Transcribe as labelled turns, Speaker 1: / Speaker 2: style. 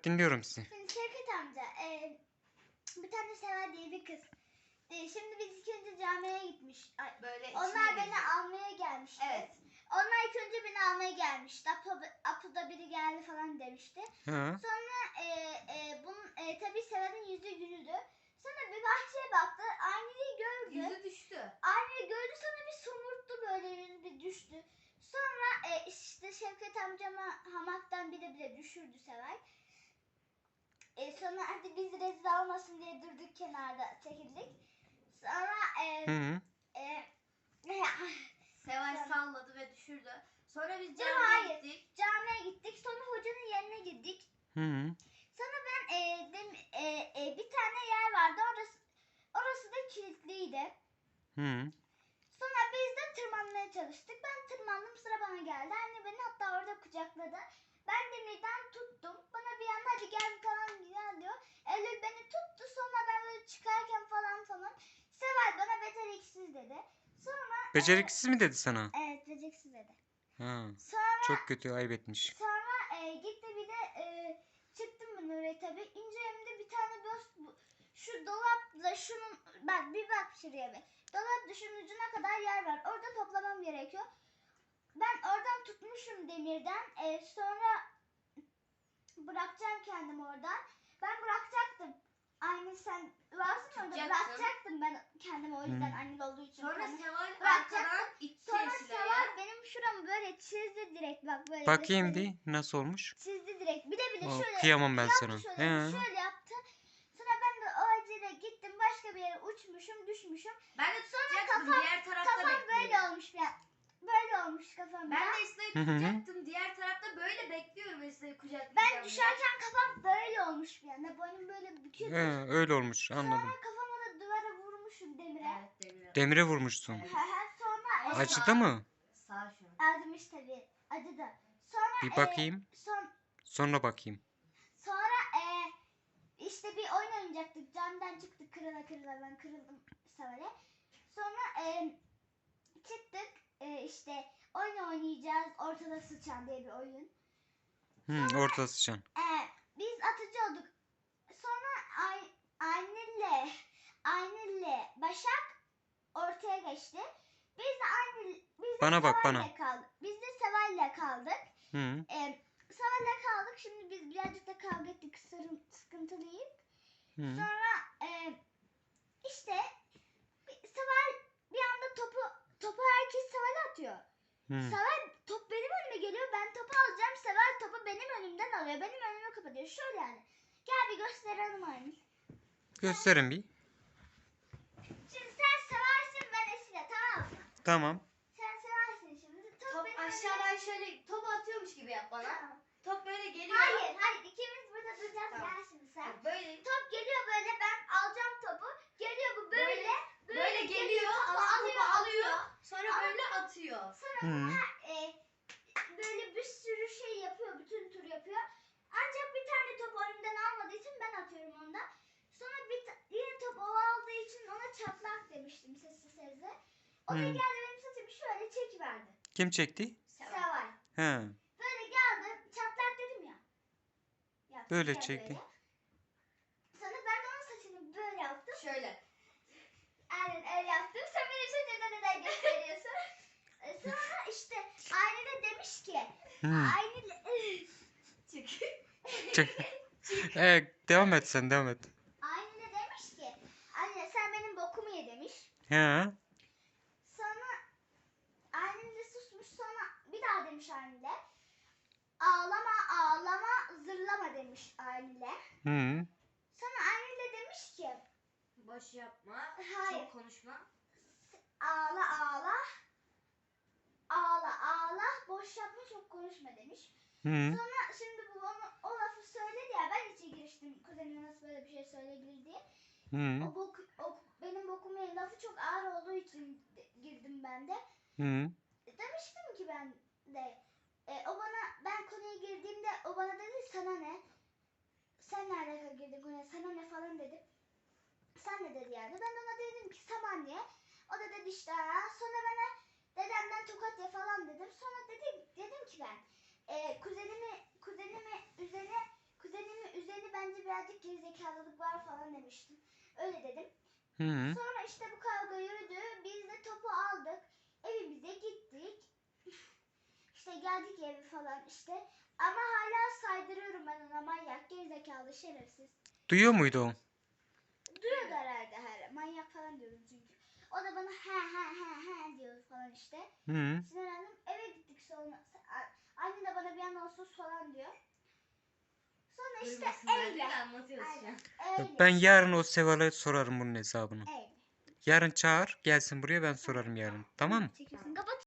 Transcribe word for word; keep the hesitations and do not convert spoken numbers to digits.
Speaker 1: dinliyorum sizi.
Speaker 2: Şimdi Şevket amca, e, bir tane Seval diye bir kız. E, şimdi biz ilk önce camiye gitmiş. Ay,
Speaker 3: Böyle
Speaker 2: onlar beni
Speaker 3: girecek.
Speaker 2: almaya gelmişti.
Speaker 3: Evet.
Speaker 2: Onlar ilk önce beni almaya gelmişti. Apo, Apo'da biri geldi falan demişti.
Speaker 1: Hı.
Speaker 2: Sonra e, e, bunun e, tabii Seval'in yüzü gülüdü. Sonra bir bahçeye baktı. Aynayı gördü.
Speaker 3: Yüzü düştü.
Speaker 2: Aynayı gördü, sonra bir somurttu, böyle yüzü bir düştü. Sonra e, işte Şevket amcama hamaktan bile bile düşürdü Seval. E, sonra hadi biz rezil olmasın diye durduk, kenarda çekildik. Sonra e,
Speaker 1: Hı.
Speaker 2: e,
Speaker 3: Seval
Speaker 2: Sonra-
Speaker 3: salladı ve düşürdü. Sonra biz
Speaker 2: Yok,
Speaker 3: camiye
Speaker 2: hayır.
Speaker 3: gittik.
Speaker 2: camiye gittik. Sonra hocanın yerine gittik.
Speaker 1: Hı.
Speaker 2: Sonra ben e, dem, e, e, bir tane yer vardı. Orası orası da kilitliydi.
Speaker 1: Hı.
Speaker 2: Sonra biz de tırmanmaya çalıştık. Ben tırmandım, sıra bana geldi. Anne beni hatta orada kucakladı. Ben demirden tuttum. Bana bir anda hadi gel falan gel diyor. Eylül beni tuttu. Sonra ben böyle çıkarken falan falan. Seval bana beceriksiz dedi. Sonra
Speaker 1: Beceriksiz mi dedi sana?
Speaker 2: E, evet, beceriksiz dedi.
Speaker 1: Ha.
Speaker 2: Sonra
Speaker 1: Çok kötü, ayıp etmiş.
Speaker 2: sonra e, gitti bir de e, çıktım ben oraya tabii. İnce elimde bir tane göz, bu- şu dolapla şunun, bak bir bak şuraya bir. Dolap şunun ucuna kadar yer var. Orada toplamam gerekiyor. Ben oradan tutmuşum demirden. E, sonra bırakacağım kendimi oradan. Ben bırakacaktım. Aynı sen varsın orada,
Speaker 3: Tutacaktın.
Speaker 2: bırakacaktım ben kendimi, o yüzden
Speaker 1: Hı.
Speaker 2: anneli olduğu için.
Speaker 3: Sonra
Speaker 2: kendimi.
Speaker 3: Seval
Speaker 2: Bırakacaktım.
Speaker 3: arkadan itti
Speaker 2: Sonra
Speaker 3: Şila'ya.
Speaker 2: Seval benim şuramı böyle çizdi direkt, bak böyle.
Speaker 1: Bakayım
Speaker 2: göstereyim.
Speaker 1: bir nasıl olmuş.
Speaker 2: Çizdi direkt. Bir de bir de
Speaker 1: Aa,
Speaker 2: şöyle
Speaker 1: kıyamam ben
Speaker 2: yaptı,
Speaker 1: sana.
Speaker 2: şöyle,
Speaker 1: He.
Speaker 2: şöyle yaptı. Sonra ben de o acele gittim, başka bir yere uçmuşum, düşmüşüm.
Speaker 3: Ben de
Speaker 2: Sonra
Speaker 3: tutacaktım.
Speaker 2: kafam-
Speaker 3: Diğer tarafta
Speaker 2: Kafam
Speaker 3: bekliyordum.
Speaker 2: böyle olmuş ya. Böyle olmuş kafam.
Speaker 3: Ben
Speaker 2: ya.
Speaker 3: de Esra'yı
Speaker 1: Hı hı hı.
Speaker 3: tutacaktım. Diğer tarafta böyle bekliyorum Esra'yı kucaklayacağım
Speaker 2: Ben
Speaker 3: diye.
Speaker 2: düşerken kafam böyle olmuş bir anda. Boynum böyle bükülmüş.
Speaker 1: He, öyle olmuş, anladım.
Speaker 2: Sonra kafama da duvara vurmuşum, demire.
Speaker 3: Evet demir.
Speaker 1: Demire vurmuşsun.
Speaker 3: Evet.
Speaker 2: Sonra
Speaker 3: Ama
Speaker 2: e,
Speaker 1: Acıdı mı?
Speaker 3: Sağ şu an.
Speaker 2: acımış tabii. Acıdı. Sonra
Speaker 1: Bir
Speaker 2: e,
Speaker 1: bakayım.
Speaker 2: son,
Speaker 1: Sonra bakayım.
Speaker 2: Sonra e, işte bir oyun oynayacaktık. Camdan çıktık, kırıla kırıla ben kırıldım Seval'e. Sonra e, çıktık, e, işte oyun oynayacağız. Ortada sıçan diye bir oyun.
Speaker 1: Hı, ortada sıçan.
Speaker 2: E, biz atıcı olduk. Sonra Ay, Aynur'le Aynur'le Başak ortaya geçti. Biz de Aynur, biz de
Speaker 1: Bana bak,
Speaker 2: Seval'le
Speaker 1: bana.
Speaker 2: kaldık. Biz de Seval'le kaldık.
Speaker 1: Hı.
Speaker 2: E, Seval'le kaldık. Şimdi biz birazcık da kavga ettik. Sırım, sıkıntılıyım.
Speaker 1: Hı.
Speaker 2: Sonra e, işte bir- Seval bir anda topu topu herkes Seval'e atıyor.
Speaker 1: Hı.
Speaker 2: Seval, top benim önüme geliyor. Ben topu alacağım. Seval topu benim önümden alıyor. Benim önümü kapatıyor. Şöyle yani. Gel bir gösterelim aynı.
Speaker 1: Gösterin bir.
Speaker 2: Şimdi sen Seval'sin, ben Esile, tamam mı?
Speaker 1: Tamam.
Speaker 2: Sen Seval'sin şimdi. Top,
Speaker 3: Top
Speaker 2: benim
Speaker 3: aşağıdan şöyle topu atıyormuş gibi yap
Speaker 2: önüme-
Speaker 3: bana.
Speaker 2: Tamam.
Speaker 3: Top böyle geliyor.
Speaker 2: Hayır hayır, ikimiz burada duracağız.
Speaker 3: Tamam.
Speaker 2: Gel şimdi sen.
Speaker 3: Bak Böyle
Speaker 2: Top geliyor böyle, ben alacağım topu. Geliyor bu böyle.
Speaker 3: Böyle-
Speaker 2: Böyle,
Speaker 3: böyle geliyor.
Speaker 2: topu
Speaker 3: Adam
Speaker 2: alıyor,
Speaker 3: topu alıyor. Sonra
Speaker 2: Ama-
Speaker 3: böyle atıyor.
Speaker 2: Sonra
Speaker 1: Hı.
Speaker 2: bana e, böyle bir sürü şey yapıyor. Bütün tur yapıyor. Ancak bir tane top önümden almadığı için ben atıyorum onda. Sonra bir ta- yine top o aldığı için ona çatlak demiştim sessiz sesle. O da
Speaker 1: Hı.
Speaker 2: geldi benim saçımı şöyle çekiverdi.
Speaker 1: Kim çekti?
Speaker 3: Seval.
Speaker 2: Seval.
Speaker 1: He.
Speaker 2: Böyle geldi, çatlak dedim ya. Yaptı
Speaker 1: Böyle
Speaker 2: ya
Speaker 1: çekti.
Speaker 2: böyle. Sonra ben de onun saçını böyle yaptım.
Speaker 3: Şöyle.
Speaker 2: Aynen öyle yaptım. Sen benim saçımda neden gösteriyorsun? E, Sonra işte Aynı de demiş ki,
Speaker 1: Hı.
Speaker 2: Aynı
Speaker 3: Çık.
Speaker 1: Çek. Evet, devam et sen, devam et.
Speaker 2: Aynı de demiş ki, anne sen benim bokumu ye demiş.
Speaker 1: He.
Speaker 2: Sonra Aynı de susmuş, sonra bir daha demiş Aynı de. Ağlama ağlama zırlama demiş Aynı de.
Speaker 1: Hı.
Speaker 2: Sonra Aynı de demiş ki,
Speaker 3: Boş yapma.
Speaker 2: Hayır.
Speaker 3: Çok konuşma.
Speaker 2: ağla ağla. Ağla ağla, boş yapma, çok konuşma demiş.
Speaker 1: Hı.
Speaker 2: Sonra şimdi bu onu, o lafı söyledi ya, ben içe giriştim kuzenime nasıl böyle bir şey söyleyebilir diye.
Speaker 1: Hı.
Speaker 2: O, bok, o benim bokumu ye lafı çok ağır olduğu için de- girdim ben de.
Speaker 1: Hı.
Speaker 2: Demiştim ki ben de, e, o bana, ben konuya girdiğimde o bana dedi sana ne? Sen ne alaka girdin konuya, sana ne falan dedim. Sen ne dedi yani? Ben ona dedim ki Samanya. O da dedi işte "Aa." Sonra bana dedemden tokat ye falan dedim. Sonra dedim, dedim ki ben e, kuzenimi kuzenimi üzerine kuzenimi gerizekalılık var falan demiştim. Öyle dedim.
Speaker 1: Hı hı.
Speaker 2: Sonra işte bu kavga yürüdü. Biz de topu aldık. Evimize gittik. İşte geldik eve falan işte. Ama hala saydırıyorum ben ona, manyak, gerizekalı, şerefsiz.
Speaker 1: Duyuyor muydu o?
Speaker 2: Duyuyordu herhalde her. Manyak falan diyorum çünkü. O da bana he he he he diyor falan işte.
Speaker 1: Hı hı.
Speaker 2: Sinirlendim. Eve gittik sonra. A- Annem de bana bir yandan sus falan diyor. Sonra işte
Speaker 3: Duymasınlar diye
Speaker 2: öyle.
Speaker 3: anlatıyoruz şu an.
Speaker 2: Aynen. Öyle.
Speaker 1: Ben yarın o Seval'e sorarım bunun hesabını.
Speaker 2: Öyle.
Speaker 1: Yarın çağır gelsin buraya, ben sorarım yarın. Tamam mı?
Speaker 2: Çekiyorsun. Kapat.